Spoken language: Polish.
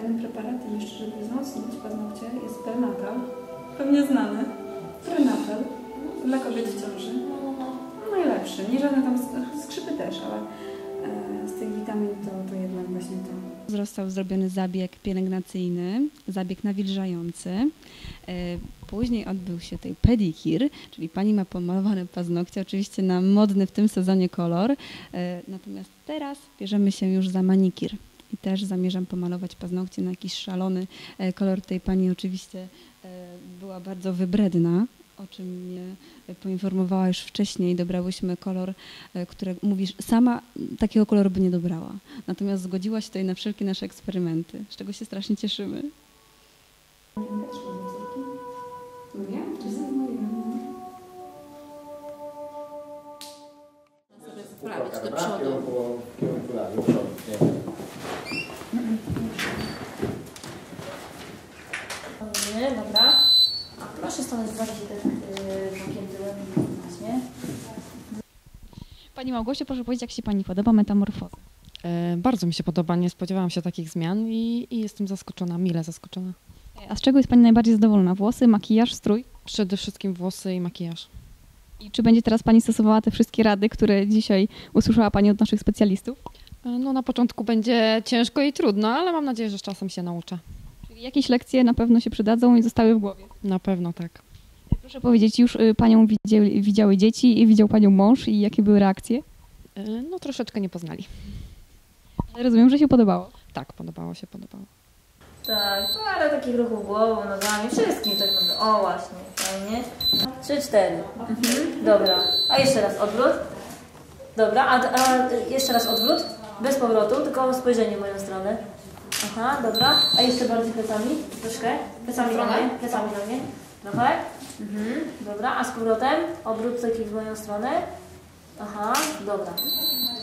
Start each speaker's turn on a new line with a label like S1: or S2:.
S1: fajny preparat i jeszcze, żeby wzmocnić paznokcie, jest prenatal. Pewnie znany. Prenatal. Dla kobiet w ciąży. Najlepszy. Nie żadne tam skrzypy też, ale z tych witamin to jednak właśnie to.
S2: Został zrobiony zabieg pielęgnacyjny, zabieg nawilżający. Później odbył się tej pedikir, czyli pani ma pomalowane paznokcie, oczywiście na modny w tym sezonie kolor. Natomiast teraz bierzemy się już za manikir. I też zamierzam pomalować paznokcie na jakiś szalony kolor. Tej pani oczywiście była bardzo wybredna, o czym mnie poinformowała już wcześniej. Dobrałyśmy kolor, który mówisz, sama takiego koloru by nie dobrała. Natomiast zgodziła się tutaj na wszelkie nasze eksperymenty, z czego się strasznie cieszymy.
S1: Nie? Czy zamówiłam?
S3: Sprawić do przodu. Do przodu.
S4: Dobra. A proszę stanąć bardziej tak bokiem tyłem właśnie.
S2: Pani Małgosiu, proszę powiedzieć, jak się Pani podoba metamorfoza?
S5: Bardzo mi się podoba, nie spodziewałam się takich zmian i jestem zaskoczona, mile zaskoczona.
S2: A z czego jest Pani najbardziej zadowolona? Włosy, makijaż, strój?
S5: Przede wszystkim włosy i makijaż.
S2: I czy będzie teraz Pani stosowała te wszystkie rady, które dzisiaj usłyszała Pani od naszych specjalistów?
S5: No na początku będzie ciężko i trudno, ale mam nadzieję, że z czasem się nauczę.
S2: Czyli jakieś lekcje na pewno się przydadzą i zostały w głowie?
S5: Na pewno tak.
S2: Proszę powiedzieć, już Panią widziały dzieci i widział Panią mąż i jakie były reakcje?
S5: No troszeczkę nie poznali.
S2: Ale rozumiem, że się podobało.
S5: Tak, podobało się, podobało.
S4: Tak, parę takich ruchów głową, nogami, wszystkim tak naprawdę. O właśnie, fajnie. 3, 4. Dobra. A jeszcze raz odwrót. Dobra, a jeszcze raz odwrót. Bez powrotu, tylko spojrzenie w moją stronę. Aha, dobra. A jeszcze bardziej plecami. Troszkę. Plecami do mnie. Plecami do mnie. Trochę. Dobra, a z powrotem obrót taki w moją stronę. Aha, dobra.